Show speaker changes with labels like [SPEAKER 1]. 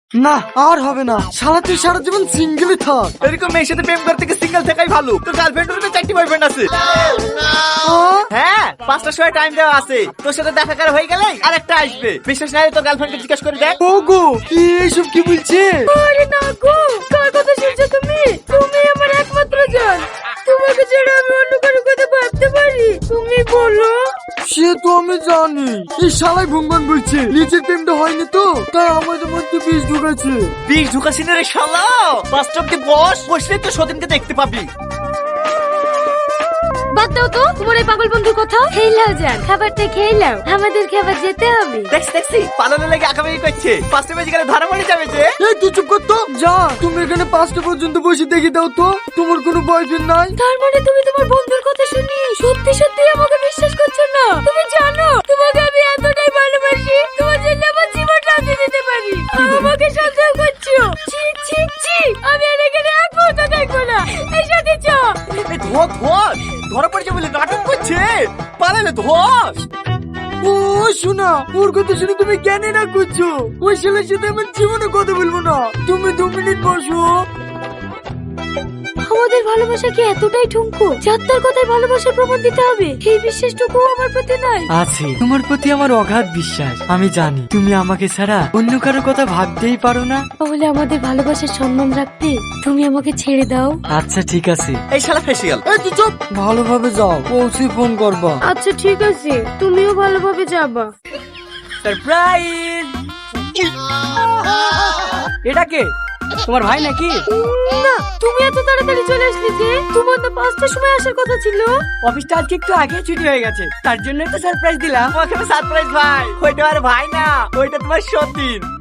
[SPEAKER 1] না আর হবে না, সারা তুই সারা জীবন সিঙ্গেলই থাক।
[SPEAKER 2] এরকম মেয়ের সাথে প্রেম করতে গিয়ে সিঙ্গেল থাকাই ভালো। তোর গার্লফ্রেন্ডের তো 4টি বয়ফ্রেন্ড আছে। হ্যাঁ, 5টার সময় টাইম দেওয়া আছে। তোর সাথে দেখা করা হয়ে গেলে আরেকটা আসবে। বিশ্বাস না হলে তোর গার্লফ্রেন্ডকে জিজ্ঞাসা করে দেখ।
[SPEAKER 1] ও গো, এইসব কি বলছে?
[SPEAKER 3] আরে না গো, কার কথা শুনছো তুমি? তুমি আমার একমাত্র জান। তোমাকে ছাড়া আমি অন্য কারো কথা ভাবতে পারি? তুমি বলো।
[SPEAKER 1] সে তো আমি জানি, এই শালাই ভুঙ্গন বলছে নিজের প্রেমটা হয়নি তো, তাই আমাদের মধ্যে বিষ ঢুকাচ্ছে।
[SPEAKER 2] বিষ ঢুকাছি না রে শালা। বাস স্টপে বসলে তো সদিনকে দেখতে পাবি।
[SPEAKER 3] বাদ দাও তো তোমার এই পাগল বন্ধুর কথা। খেলাও যান, খাবারটা খেলাও, আমাদের খাবার যেতে হবে।
[SPEAKER 2] দেখছি পালানো লেগে আঁকাবাকি করছে। 5টা বেজে গেলে ধরা পড়ে যাবে যে।
[SPEAKER 1] এই তুই চুপ কর তো। যা, তুমি এখানে 5টা পর্যন্ত বসে দেখে দাও তো তোমার কোনো বয়ফ্রেন্ড নাই।
[SPEAKER 3] তার মানে তুমি তোমার বন্ধুর কথা শুনি সত্যি সত্যি আমাকে বিশ্বাস করছো না? তুমি জানো তোমাকে আমি এতটাই ভালোবাসি, তোমার জন্য আমার জীবনটা দিয়ে দিতে পারি। আমাকে সন্দেহ করছো? ছি ছি ছি, আমি আর এখানে এক মুহূর্ত থাকবো না। এই সাথে চ।
[SPEAKER 2] এই ধরা পড়েছে বলে নাটক করছে। পালালে ধর।
[SPEAKER 1] ও শোনা, ওর কথা শুনে তুমি জ্ঞানী না করছো। ওই ছেলের সাথে আমার জীবনে কথা বলবো না। তুমি 2 মিনিট বসো।
[SPEAKER 3] আমাদের ভালোবাসা কি এতটাই ঠুনকো যার তার কথায় ভালোবাসার প্রমাণ দিতে হবে? এই বিশ্বাসটুকু আমার প্রতি নাই।
[SPEAKER 1] আছে, তোমার প্রতি আমার অগাধ বিশ্বাস। আমি জানি তুমি আমাকে ছাড়া অন্য কারোর কথা ভাবতেই পারো না।
[SPEAKER 3] তাহলে আমাদের ভালোবাসার সম্মান রাখতে তুমি আমাকে ছেড়ে দাও।
[SPEAKER 1] আচ্ছা ঠিক আছে।
[SPEAKER 2] এই শালা ফেসিয়াল।
[SPEAKER 1] এই তুই চুপ, ভালোভাবে যাও, পৌঁছে ফোন করবা।
[SPEAKER 3] আচ্ছা ঠিক আছে, তুমিও ভালোভাবে যাবা।
[SPEAKER 1] সারপ্রাইজ! এটা কে? তোমার ভাই নাকি?
[SPEAKER 3] না, তুমি এত তাড়াতাড়ি চলে আসলে যে? তোমার তো 5টার সময় আসার কথা ছিল।
[SPEAKER 1] অফিসটা আজকে একটু আগে ছুটি হয়ে গেছে, তার জন্য তো সারপ্রাইজ দিলাম।
[SPEAKER 2] তোমাকে সারপ্রাইজ ভাই। ওইটা আর ভাই না, ওইটা তোমার সতীন।